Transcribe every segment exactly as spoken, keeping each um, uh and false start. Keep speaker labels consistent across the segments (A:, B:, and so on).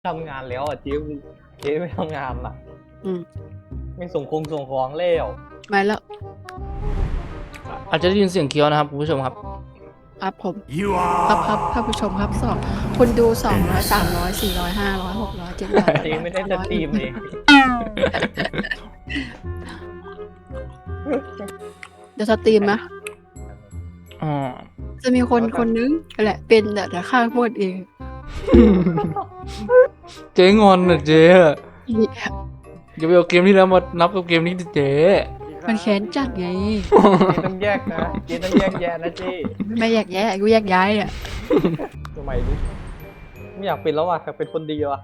A: ทำงานแล้วอ่ะเจ๊เจ๊ไม่ทำงานล่ะ
B: อืม
A: ไม่ส่งคงส่งของเล้ว
B: มาแล้ว
C: อาจจะได้ยินเสียงเคี้ยวนะครับคุณผู้ชมครับ
B: ครับผมครับครับท่านผู้ชมครับสองคนดูสองร้อยสามร้อยสี่ร้อยห้าร้อยหกร้อยเจ็ดร้อย
A: เจ๊ไม่ได้สตรีมเอง
B: เดี๋ยวสตรีมนะ
C: อ๋อ
B: จะมีคนคนนึงแหละเป็นแต่แต่ข้าพูดเอง
C: เจ๊งอนนะเจ๊อะ
B: อี
C: อย่าไปเอาเกมนี้แล้วมานับกับเกมนี้ดิเจ๊
B: มันแค้นจัดไง
A: เจ๊ต้องแยกนะเจ๊ต้องแยกแยะนะเจ๊
B: ไม่แยกแยะกูแยกย้ายอ่ะ
A: ทำไมดิไม่อยากเป็นแล้วอ่ะอยากเป็นคนดีว่ะ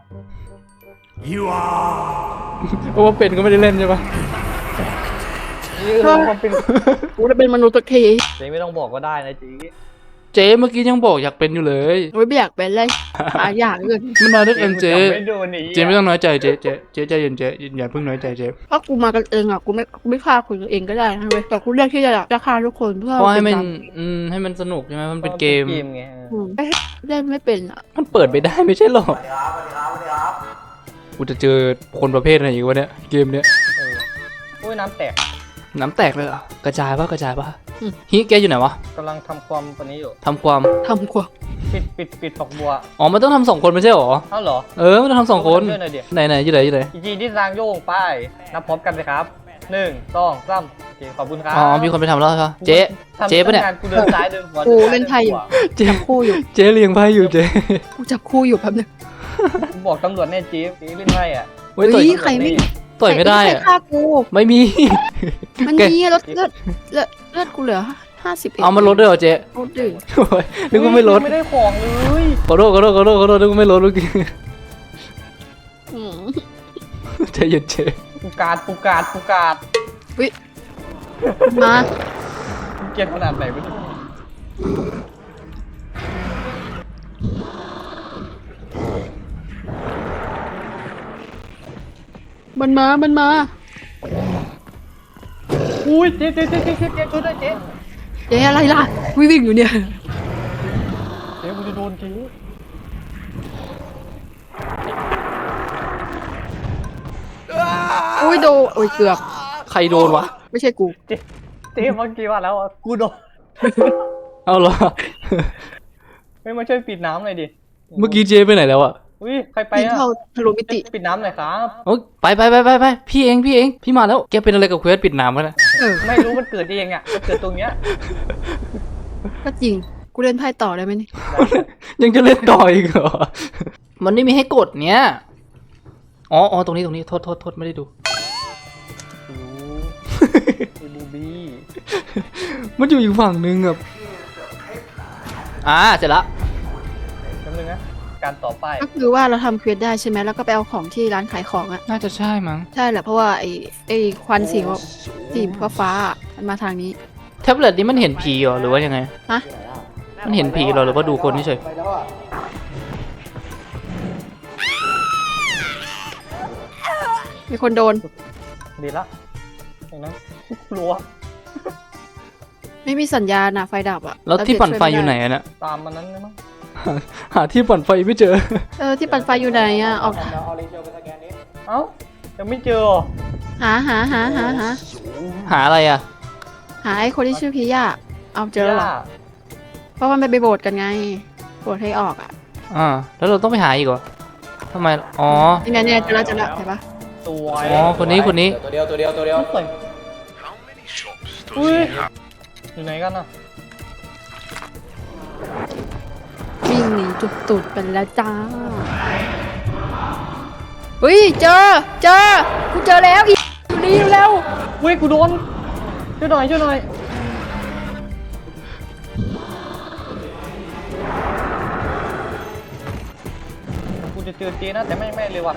C: เพราะว่าเป็นก็ไม่ได้เล่นใช่ปะ
A: นี่คือความเป็น
B: กูจะเป็นมนุษย์สักที
A: เจ๊ไม่ต้องบอกก็ได้นะเจ๊
C: เจ๊เมื่อกี้ยังบอกอยากเป็นอยู่เลย
B: กูไม่อยากเป็นเลยหาอยากเกิน
C: มันมาด้วยกันเจ๊
A: ไม่โดนหนี
C: เจ๊ไม่ต้องน้อยใจเจ๊เจ๊เจ๊ใจเย็นเจ๊อย่าเพิ่งน้อยใจเจ๊
B: เพราะกูมากันเองอ่ะกูไม่กูไม่ฆ่าคนเองก็ได้นะเว้ยแต่กูเลือกที่จะจะฆ่าทุกคนเพื่อ
C: เพราะให้มัน
B: เป็
C: อืมให้มันสนุกใช่ไหมมันเป็นเกม
A: เกมไง
B: อืมเล่นไม่เป็นอ่ะ
C: มันเปิดไปได้ไม่ใช่หรอกูจะเจอคนประเภทไหนอีกวะเนี่ยเกมเนี้ย
A: เออโอ้ยน้ำแตก
C: น้ำแตกเลยเหรอกระจายปะกระจายปะฮิแกอยู่ไหนวะ
A: กำลังทำความปนนี้อยู่
C: ทำความ
B: ทำกว่า
A: ปิดปิดปิดฝักบัว
C: อ๋อมันต้องทำสองคนไม่ใช่หรอ
A: เอ้าเหรอ
C: เออมันต้องทำสองคน
A: ช่วยหน่อยเดี๋ยว
C: ไหนไหนอยู่ไหนอยู่ไหน
A: อีจีที่สร้างโยงไปนับพร้อมกันเลยครับหนึ่งสองสามโอเคขอบคุณครับ
C: อ๋อมีคนไปทำแล้วใช่ปะเจ๊
A: ทำ
C: เจ๊ปะเนี่ย
A: ทำงานกูเดินซ้ายเดินขวา
B: กู
A: ดิซ้า
B: เล่นไทยอยู่
C: เจ๊
B: จับคู่อยู่
C: เจ๊เลี้ยงไพ่อยู่เจ๊
B: กูจับคู่อยู่แป๊บนึง
A: กูบอกตำรวจแน่เจ๊เจ๊เล่นไพ่อ่ะ
C: เว้ยต่อย
B: เฮ้ยใครไม่
C: ต่อยไม่ได้
B: ใคร
C: อะ
B: ฆ่ากู
C: ไม่มี
B: มัน
C: แก
B: มีลดเลือดเลือดเลือดกูเหลือห้าสิบเอ็ด
C: เอามาลดด้วยเหรอเจ๊
B: ลดดื่ม
C: โอ้ยนึกว่าไม่ลด
A: ไม่ได้ของเลย
C: ขอโทษขอโทษขอโทษขอโทษนึกว่าไม่ลดเมื่อกี้
B: อืม
C: ใจเย็นเจ๊
A: ปูกาดปูกาดปูกาด
B: มา
A: กูเกลียดขนาดไหนไม่รู้
B: มันมา มันมา
A: อุ้ยเจ๊เจ๊เจ๊เจ๊เจ๊เจ๊ช่วยด้วยเจ๊
B: เจ๊อะไรล่ะวิ่งวิ่งอยู่เนี่ย
A: เจ๊กูจะโดนเจ๊
B: อุ้ยโดโอ้ยเกือบ
C: ใครโดนวะ
B: ไม่ใช่กู
A: เจ๊เจ๊เมื่อกี้ว่าแล้วอะกูโดน
C: เอาเหรอ
A: ไม่มาช่วยปิดน้ำหน่อยดิ
C: เมื่อกี้เจ๊ไปไหนแล้วอะ
A: อุ้ยใครไป
B: ยิง
A: อะ
B: เข้าทะลุมิติ
A: ปิดน้ำหน่อยครับ
C: โอ้ยไปไปไปไปไปพี่เองพี่เองพี่มาแล้วแกเป็นอะไรกับเควสปิดน้ำกันนะ
B: เออ
A: ไม่รู้มันเกิดเองอ่ะมันเกิดตรงเนี้ย
B: ก็จริง กูเล่นไพ่ต่อได้ไหมนี่
C: ยังจะเล่นต่ออีกเหรอ มันไม่มีให้กดเนี้ยอ๋ออ๋อตรงนี้ตรงนี้โทษโทษโทษไม่ได้ดู
A: โอ้ไอ้บูบี้
C: มันอยู่อีกฝั่งนึงอะอ่าเสร็จละ
A: จำนึงนะการต่อไป
B: ก็คือว่าเราทำเควสได้ใช่ไหมแล้วก็ไปเอาของที่ร้านขายของอ่ะ
C: น่าจะใช่มั้ง
B: ใช่แหละเพราะว่าไอ้ไอ้ควันสีสีฟ้าฟ้าๆอะมันมาทางนี้
C: แท็บเล็ตนี้มันเห็นผีเหรอหรือว่ายังไง
B: ฮะ
C: มันเห็นผีเหรอหรือว่าดูคนเฉย
B: มีคนโดน
A: ดีละอย่างนั้นรัว
B: ไม่มีสัญญาณอะไฟดับอะ
C: แล้วที่ปั่นไฟอยู่ไหนอะน่ะ
A: ตามมันนั้นเลยมั้ง
C: หาที่ปั่นไฟไม่เจอ
B: เออที่ปั่นไฟอยู่ไหนอะออก
A: เอ้ายังไม่เจอเหรอ
B: หาหาหาหาหา
C: หาอะไรอะ
B: หาไอ้คนที่ชื่อพิยาเอาเจอแล้วเหรอ เพราะว่ามันไปโบสกันไงโบสให้ออกอะ
C: อ่าแล้วเราต้องไปหาอีกเหรอทำไมอ๋อ
B: นี่แน่ๆจะละจะละเห็นปะ
A: สวย
C: อ๋อคนนี้คนนี้
D: ตัวเดียวตัวเดียวตัวเดียว
A: สวยอุ้ยอยู่ไหนกันอ่ะ
B: วิ่งหนีจุดตุดไปแล้วจ้าเฮ้ยเจอเจอกูเจอแล้วอีอยู่นี่เร็ว
A: อุ้ยกูโดนช่วยหน่อยช่วยหน่อยกูจะเจอเจนะแต่ไม่ไม่เลยว่ะ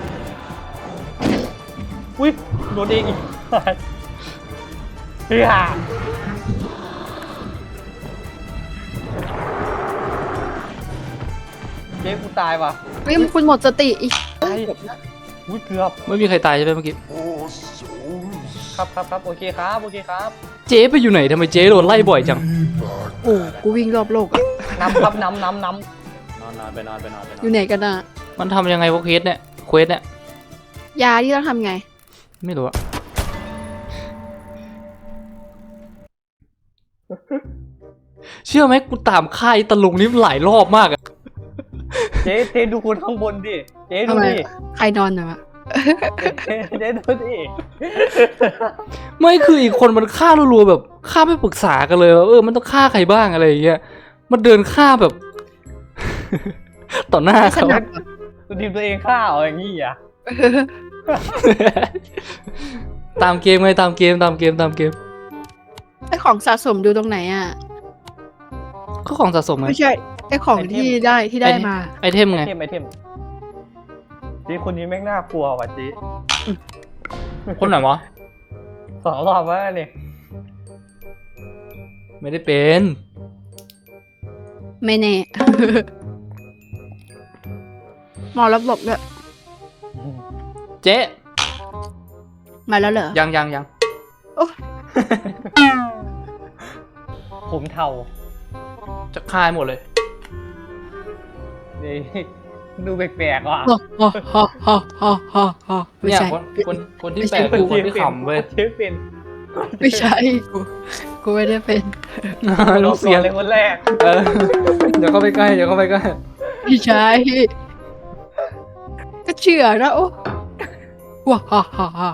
A: อุ้ยโดนเองอีกเฮ้ยฮ่าเจ๊กูตายว่ะ
B: เฮ้ยคุณหมดสติอีก
A: ตายอุ้ยเกือบ
C: ไม่มีใครตายใช่ไหมเมื่อกี้
A: ครับครับครับโอเคครับโอเคครับ
C: เจ๊ไปอยู่ไหนทำไมเจ๊โดนไล่บ่อยจัง
B: โอ้กูวิ่งรอบโลกอะ
A: น้ำครับน้ำน้ำน้
D: นอนนอนไปนอนไปนอนไปน
B: อ
D: อน
B: ยู่ไหนกันอะ
A: ำ
C: มันทำยังไงวะเควสเนี่ยเควสเนี่ย
B: ยาที่ต้องทำไง
C: ไม่รู้อะเชื่อไหมกูตามค่ายตะลุงนี่หลายรอบมากอะ
A: เจ๊เจ๊ดูคนข้างบนดิเจ๊ดู
B: ทำไม
A: ดิ
B: ใครนอนอยู่อะ
A: เจ๊เจ๊ดูดิ
C: ไม่คืออีกคนมันฆ่ารัวๆแบบฆ่าไม่ปรึกษากันเลยว่าเออมันต้องฆ่าใครบ้างอะไรอย่างเงี้ยมันเดินฆ่าแบบ ต่อหน้า
B: ไม่ถ
C: เขา
B: นัดอะ
A: ดูทีมตัวเองฆ่าเอาอย่างงี้อ่ะ
C: ตามเกมไงตามเกมตามเกมตามเกม
B: ไอของสะสมดูตรงไหนอ่ะ
C: ก็ของสะสมไง
B: ไม่ใช่ไอของที่ได้ที่ได้มา
C: ไอเทม
A: ไอ
C: ไง
A: เทมไอเทมเจ๊คนนี้แม่งน่ากลัวว่ะเจ๊
C: คนไหนวะ
A: สองรอบแล้วนี่
C: ไม่ได้เป็น
B: ไม่แน่ หมอระบบด้วย
C: เจ๊
B: มาแล้วเหรอ
C: ยังยังยัง
A: ผมเทา
C: จะคายหมดเลย
A: นี่ดูแปลกๆว่ะ
B: ฮ่าฮ่าฮ่าฮ่าฮ่าฮ่าไม่
C: เนี่ย
B: ใช่
C: คนคนคนที่แปลกคือคนที่ขำเว้ย
A: เจ๊เป็น
B: ไม่ใช่กูกูไม่ได้เป็น
C: ลูกเสียง
A: เลยคนแรก
C: เออเดี๋ยวเข้าไปใกล้เดี๋ยวเข้าไปใกล้
B: ไม่ใช่ก็เชื่อนะโอ้ว้าฮ่าฮ่าฮ่า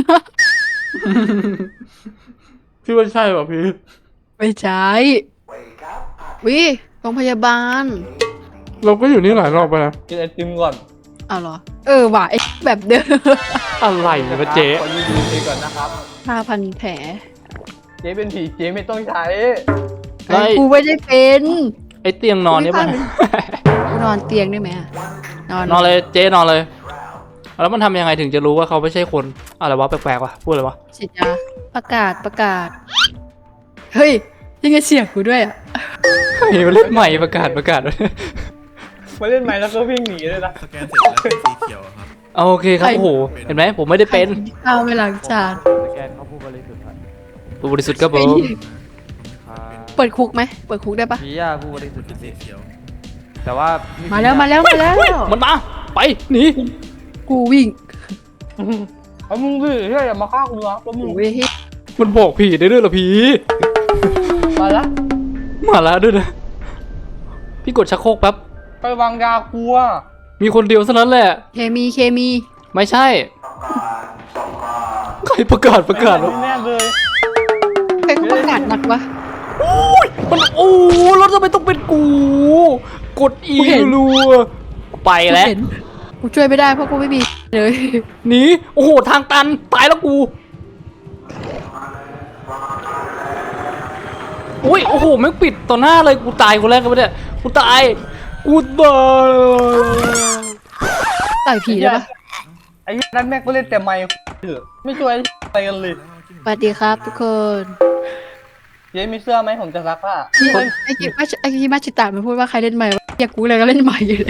C: พี่ว่าใช่ป่ะพี่
B: ไม่ใช่วิโรงพยาบาล
C: เราก็อยู่นี่หลายรอบไปแล้ว
A: กินไอติมก่อน
B: เอาเหรอ เออว่ะไอแบบเดิม
C: อะไรเนี่ยเจ๊
A: ขอยืนดูเจ๊ก่อนนะครับ
B: ห้าพันแผล
A: เจ๊เป็นผีเจ๊ไม่ต้องใช้
C: ไอ้
B: กูไม่ได้เป็น
C: ไอเตียงนอนเนี่ยมัน
B: กูนอนเตียงได้ไหมอะนอน
C: นอนเลยเจ๊นอนเลย แล้วมันทำยังไงถึงจะรู้ว่าเขาไม่ใช่คนอะไรวะแปลกๆวะพูดอะไรวะ
B: ฉีดยาประกาศประกาศ เฮ้ย ยังไงเสียงกูด้วยอ่ะ
C: เฮ้ยมาเล่นใหม่ประกาศประกาศ
A: มาเล่นไหมแล้วก็วิ่งหนีเลยนะ
D: สแกนเสร็จแล้วเป็นสีเขียวครับ
C: เอาโอเคครับโอ้โหเห็นไหมผมไม่ได้เป็น
B: ข้าวไม่ล้างจาน
E: สแกนเขาผู้บริสุทธิ์ครับ
C: ผู้บริสุทธิ์ครับผ
B: ไอ้
C: ม
B: เหี้ยเปิดคุกไหมเปิดคุกได้ปะ
E: ผียาผู้บริสุทธิ์จ
D: สี
E: ริง
D: เขียว
E: ๆแต่ว่า
B: มา
E: มา
B: แล้วมาแล้วมาแล้ว
C: มันมาไปหนี
B: กูวิ่ง
A: เอามึงสิเฮ้ยอย่ามาฆ่ากูนะแล้วมึง
B: กูวิ่ง
C: มันบอกผีได้ด้วยเหรอผี
A: มาละ
C: มาแล้วด้วยนะพี่กดชักโครกแป๊บ
A: ไปวางยากูอ่ะ
C: มีคนเดียวเท่านั้นแหละ
B: เคมีเคมี
C: ไม่ใช่ ใครประกาศประกาศวะ
A: แน่เลย
B: ใครเขาประกาศหนักวะ
C: มันโอ้แล้วทำไมต้องเป็นกู กดอี
B: กูเห็น
C: รัวไป
B: กู
C: แล้ว
B: เห็นกูช่วยไม่ได้เพราะกูไม่มีเลย
C: หนีโอ้โหทางตันตายแล้วกูอุ้ยโอ้โหแม่งปิดต่อหน้าเลยกูตายคนแรกกันไปเนี่ยกูตายกูตาย
B: ต่อยผีได้ปะ
A: ไอ้นั่นแม่งก็เล่นแต่ไมค์เถอะไม่ช่วยอะไรกันเลย
B: สวัสดีครับทุกคน
A: เจ๊มีเสื้อไหมผมจะซักผ้า
B: ไอ้กิมาไอ้กิมาชิตะมันพูดว่าใครเล่นใหม่วะอยากกูเลยก็เล่นใหม่อยู่เลย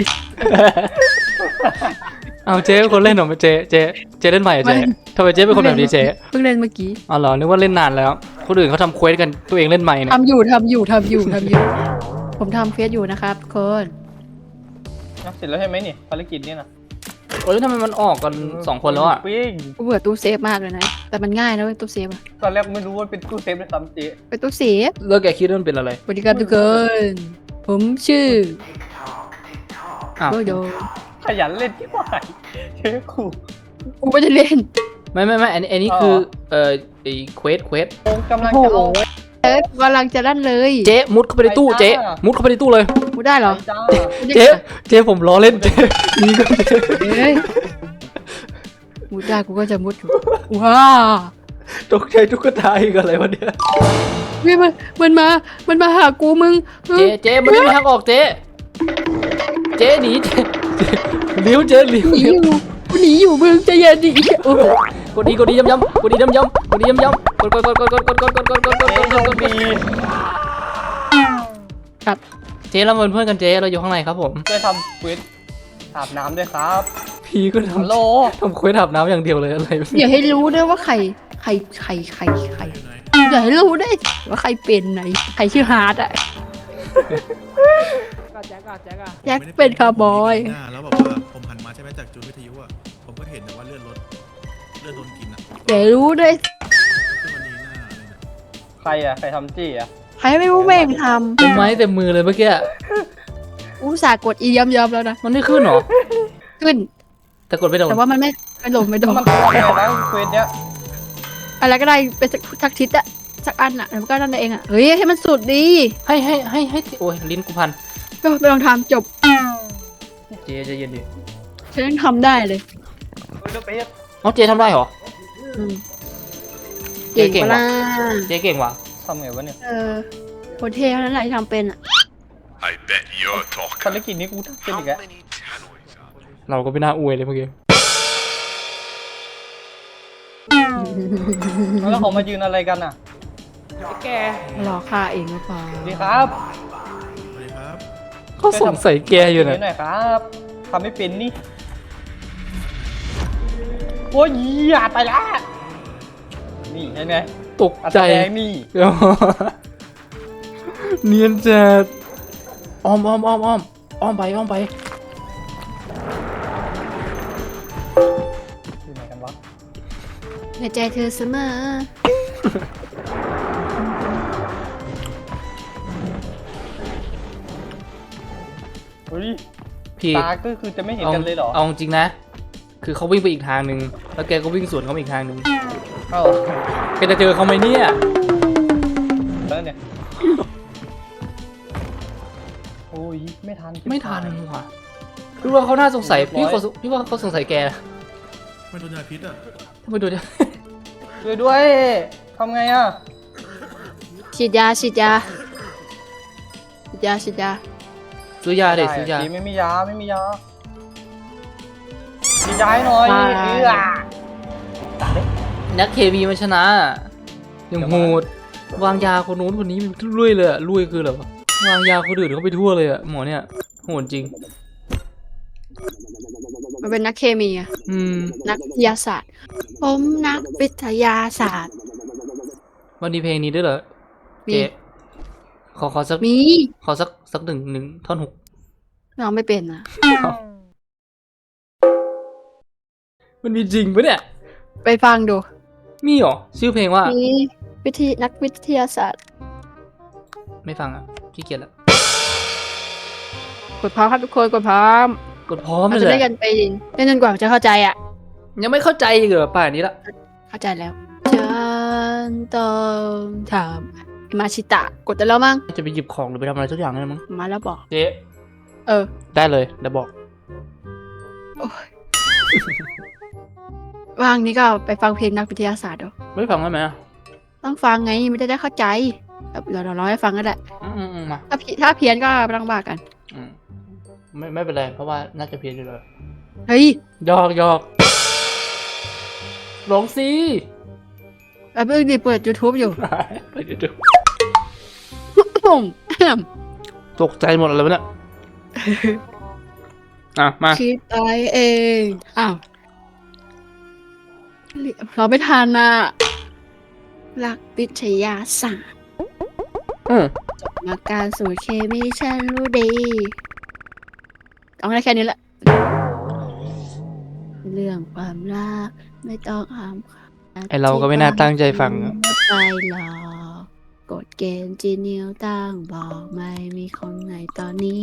C: เอาเจ๊เป็นคนเล่นเหรอเจ๊เจ๊เจ๊เล่นใหม่เหรอเจ๊
B: ไม่
C: ทำไมเจ๊เป็นคนแบบนี้เจ๊
B: เพิ่งเล่นเมื่อกี้
C: อ๋อเหรอนึกว่าเล่นนานแล้วคนอื่นเขาทำเควสกันตัวเองเล่นใหม่เนี่ย
B: ทำอยู่ทำอยู่ทำอยู่ทำอยู่ ผมทำเฟซอยู่นะครับทุกคน
A: เสร็จแล้วใช่ไหมนี่ภารกิจเนี่ยนะ
C: โอ้ยทำไมมันออกกันสองคนแล้วอ่ะ
A: ปิ้ง
B: กูเบื่อตู้เซฟมากเลยนะ แต่มันง่ายนะเว้ยตู้เซฟอะ
A: ตอนแรกไม่รู้ว่าเป็นตู้เซฟด้วยซ้ำเจ๊
B: เป็นตู้เซฟ
C: เลิกแกคิดว่ามันเป็นอะไร
B: สวัสดีครับทุกคนผมชื่อ
C: อ้าว
B: โดโด
A: ขยันเล่นที่ไหนเจ๊กู
B: กูไม่ได้เล่น
C: ไม่ไม่ไม่อันนี้อันนี้คือเอ่อไอ้เควสเควส
A: โอ้กำลัง
B: โอ้
A: จะ
B: โห
A: เอา
B: เอ้ยกูกำลังจะลั่นเลย
C: เจ๊มุดเข้าไปในตู้เจ๊มุดเข้าไปในตู้เลย
B: กูได้เหรอ
A: จ้า
C: เจ๊เจ๊ผมล้อเล่นเจ๊นี่ก็เจ๊
B: เอ้ยมุดได้กูก็จะมุดอยู่ว้า
C: ตกใจตุ๊กตาอีกอะไรวะเนี่ย
B: เฮ้ยมันมันมา มันมาหากูมึงมึง
C: เจ๊เจ๊มันไม่มีทางออกเจ๊เจ๊หนีเจ๊เจ๊เลี้ยวเจ๊เลี้ยว
B: หนี
C: เลี้
B: อ
C: ยว
B: ยู่กูหนีอยู่มึงใจะเย็นดิโอ้โห
C: กดดีกดดีย้ำย้ำกดดีย้ำย้ำกดดีย้ำย้ำกดกดกดกดกดกดกดกดกดกดกด
A: เจ๊
C: ก
A: โช
C: ด
A: ค
C: กด
A: ดี
B: ครับ
C: เจ๊เราเป็นเพื่อนกันเจ๊เราอยู่ข้างในครับผม
A: ได้ทำควิดอาบน้ำด้วยครับ
C: พี่ก็
A: ฮัลโหล
C: ทำทำเควสอาบน้ำอย่างเดียวเลยอะไร
B: อย่าให้รู้ด้วยว่าใครใครใครใครใครอย่าให้รู้ด้วยว่าใครเป็นไหนใครชื่อฮาร์ดอะ
E: แจ็คอะแจ็คอะ
B: แจ็คเป็นคาร์บอย
D: หน้าแล้วแบบว่าผมหันทยุอ่ะผมก็เห็นแต่ว่าเลือดลดเลือดโดนกินอ่ะ
B: เดี๋ยวรู้ด้วย
D: ขึ้นมาดีหน้าอะไรนะ
A: ใครอ่ะใครทำจี้อ่ะ
B: ใครไม่รู้แม่งท
C: เต็มไม้เต็มมือเลยเมื่อกี้
B: ำอุตส่าห์กดอีย้ำๆแล้วนะ
C: มันไม่ขึ้นเหรอ
B: ขึ้น
C: แต่กดไม่โดน
B: แต่ว่ามันไม่ไม่ลงไม่โดน
A: มันตัวอะไรนะเควสเนี้ย
B: อะไรก็ได้เป็นสักสักทิศอะสักอันอะแล้วก็นั่นเองอะเฮ้ยให้มันสุดดี
C: ให้ให้ให้ให้โอ้ยลิ้นกูพัน
B: ก็ไปลองทำจบ
C: เจใจะเย็นดิ
B: ฉันยังทำได้เลย
A: เฮ้ยเดอะเบส
C: อ๋อเจทำได้เหรอ
B: อืม
C: เก่ง
B: เก่ง
C: ว่ะ
B: ปะล่ะ
C: เจเก่งว่ะ
A: ทำไงวะเนี่ย
B: เออคนเท่เท่านั้นแหละที่ทำเป็นอะ
F: I bet you're
A: ภาร
F: talking.
A: กิจนี้กูทำเป็นอีกแล้ว
C: เราก็ไม่น่าอวยเลยเมื่อกี้
A: แล้วเขามายืนอะไรกันอ่ะ
C: แก
B: รอค่าเองหรือเปล่า
A: สวัสดีครับ
D: สวัสดีครับ
C: เขาสงสัยแกอยู่
A: นิ
C: นะ
A: ดหน่อยครับทำไม่เป็นนี่โอ้ยอย่าไปละนี่เห็นไง
C: ตก
A: อัศ
C: ใจ
A: แดงนี่
C: เนียนจัดอ้อมอ้อมอ้อมอ้อมอ้อมไปอ้อมไป
A: อยู่ไหนกันวะ
B: ในใจเธอเสมอ
A: เฮ้ย
C: พี่
A: ตาก็คือจะไม่เห็น
C: เอา
A: กันเลยเหรอ
C: เอาจริงนะ คือเขาวิ่งไปอีกทางหนึ่งแล้วแกก็วิ่งสวนเขาไปอีกทางหนึ่ง
A: เอ้า
C: แกจะเจอเขาไหมเนี่ย
A: แล้วเนี่ยโอ้ยไม่ทัน
C: ไม่ทันว่ะพี่ว่าเขาน่าสงสัยพี่เขาพี่ว่าเขาสงสัยแก
D: ไม่โดนยาพิษอ่ะ
C: ทำไมดูดิ
A: ช่วยด้วยทำไงอ่ะ
B: ฉีดยาฉีดยาฉีดยาฉีดยา
C: ซื้อยาเด็ซื้อยา
A: ดีไม่มียาไม่มียามียาให้หน่อยเอื้อ
C: นักเคมีมันชนะยังโหดวางยาคนนู้นคนนี้มันลุยเลยอะลุยคืออะไรวะวางยาคนอื่นเขาไปทั่วเลยอะหมอเนี่ยโหดจริง
B: มันเป็นนักเคมีอะ
C: อืม
B: นักวิทยาศาสตร์ ผมนักวิทยาศาสตร์
C: วันนี้เพลงนี้ด้วยเหรอ
B: มี
C: เจ๊ขอขอสัก
B: มี
C: ขอสักสักหนึ่งหนึ่งท่อนหก
B: เราไม่เป็นอะ
C: มันมีจริงปะเนี่ย
B: ไปฟังดู
C: มีเหรอชื่อเพลงว่า
B: มีวิทยนักวิทยาศาสตร์
C: ไม่ฟังอ่ะขี้เกียจละ
B: กดพร้อมครับทุกคนกดพร้อม
C: กดพร้อม
B: เรา
C: เลย
B: จะ
C: แห
B: ได้
C: ละ
B: กันไปเล่นจนกว่าจะเข้าใจอะ
C: ยังไม่เข้าใจอีกเหรอป่านนี้ละ
B: เข้าใจแล้วฉันต้องทำมาชิตะกดได้แล้วมั้ง
C: จะไปหยิบของหรือไปทำอะไรสักอย่างนั่นมั้ง
B: มาแล้วบอก
C: เจ๊
B: เออ
C: ได้เลยเดี๋ยวบอก
B: ว่างนี้ก็ไปฟังเพลงนักวิทยาศาสตร์ดู
C: ไม่ฟังได้ไหมอ่ะ
B: ต้องฟังไงมันจะได้เข้าใจแบบเราเราร้องให้ฟังก็ได้
C: อืมอืมอืมมา
B: ถ้าผิดถ้าเพี้ยนก็ไม่ต้องบ้ากัน
C: อืมไม่ไม่เป็นไรเพราะว่าน่าจะเพี้ยนอยู่เลย
B: เฮ้ย
C: หยอกหยอกร้องสิ
B: แป๊บนึงดิเปิด YouTube อยู่
C: ไปเดี๋ยวดู
B: ปุ่ม
C: ตกใจหมดเลยวะเนี่ยอ่ะมา
B: คิดไปเองอ้าวเราไม่ทันอ่ะหลักวิทยาศาสตร์
C: อืม
B: มาการสูตรเคมีฉันรู้ดีเอาได้แค่นี้แหละ เรื่องความรักไม่ต้องห้าม
C: ไอเราก็ไม่น่าตั้งใจฟังอะ
B: ไปหรอกกฎเกณฑ์จีนิวตั้งบอกไม่มีคนไหนตอนนี้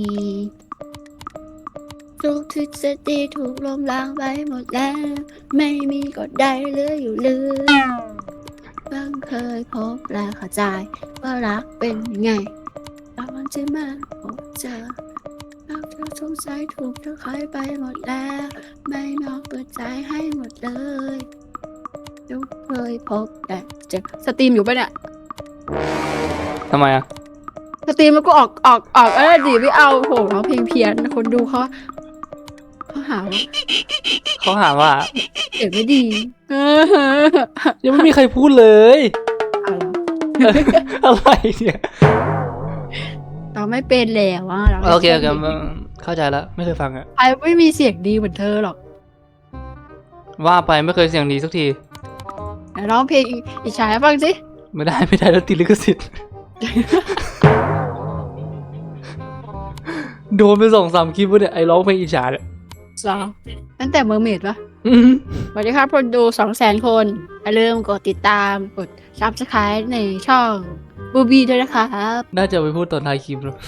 B: ทุกทฤษฎีถูกล้มล้างไปหมดแล้ว ไม่มีกฎใดเหลืออยู่เลยเพิ่งเคยพบและเข้าใจว่ารักเป็นยังไงตอนที่มาพบเจอรักเธอสงสัยถูกเธอขายไปหมดแล้ว ไม่นอกเปิดใจให้หมดเลยทุกเคยพบแต่เจอสตรีมอยู่ปะเนี่ย
C: ทำไมอ่ะ
B: สตรีมแล้วก็ออกออกออกเออดีไม่เอาโหร้องเพลงเพี้ยนคนดูเขาเขาหาว่า
C: เขาหาว่า
B: เสียงไม่ดี เออ
C: ยังไม่มีใครพูดเลย
B: เอาเหรอ
C: อะไรเนี่ย
B: เราไม่เป็นแล้วอ่ะเราไม่
C: โอเคโอเค
B: ป็น
C: เข้าใจแล้วไม่เคยฟังอ่ะ
B: ใครไม่มีเสียงดีเหมือนเธอหรอก
C: ว่าไปไม่เคยเสียงดีสักที
B: ไหนร้องเพลงอีกชายให้ฟังสิ
C: ไม่ได้ไม่ได้แล้วติดลิขสิทธิ์ โดนไปสองสามคลิปวะเนี่ยไอ้ร้องเพลงอิจฉาเนี่ย
B: สองตั้งแต่เมอร์เมดปะ
C: อืม
B: สวัสดีครับคนดูสองแสนคนอย่าลืมกดติดตามกดซับสไครต์ในช่องบูบีด้วยนะครับ
C: น่าจะไปพูดตอนท้ายคลิปแล้ว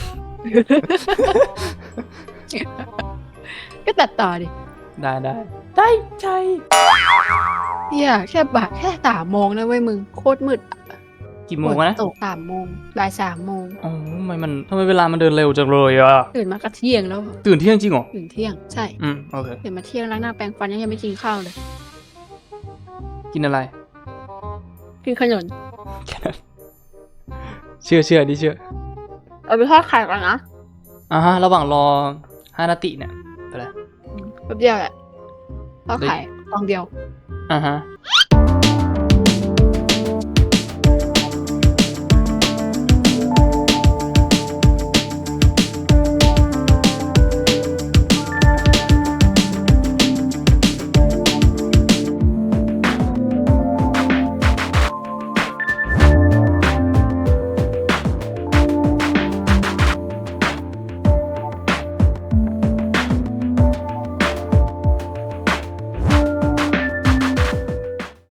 B: ก็ตัดต่อดิ
C: ได้ได้ได้ใจ
B: เฮียแค่บ่ายแค่สามโมงนะเว้ยมึงโคตรมืด
C: กี่โมงนะ
B: ฝตกสามโมงบ่ายสามโมง
C: อ๋อทำไมมันทำไมเวลามันเดินเร็วจังเลยอ่ะ
B: ตื่นมาก็เที่ยงแล้ว
C: ตื่นเที่ยงจริงเหรอ
B: ตื่นเที่ยงใช่
C: อืมโอเค
B: ตื่นมาเที่ยงล้างหน้าแปรงฟันยังไม่กินข้าวเลย
C: กินอะไร
B: กินขนม
C: แค่นั้นเชื่อเชื่อดิเชื่อ
B: เอาไปทอดไข่ก่อนนะ
C: อ่าฮะระหว่างรอฮานาติเนี่ยไปเลย
B: แป๊บเดียวแหละทอดไข่ฟองเดียว
C: อ่าฮะ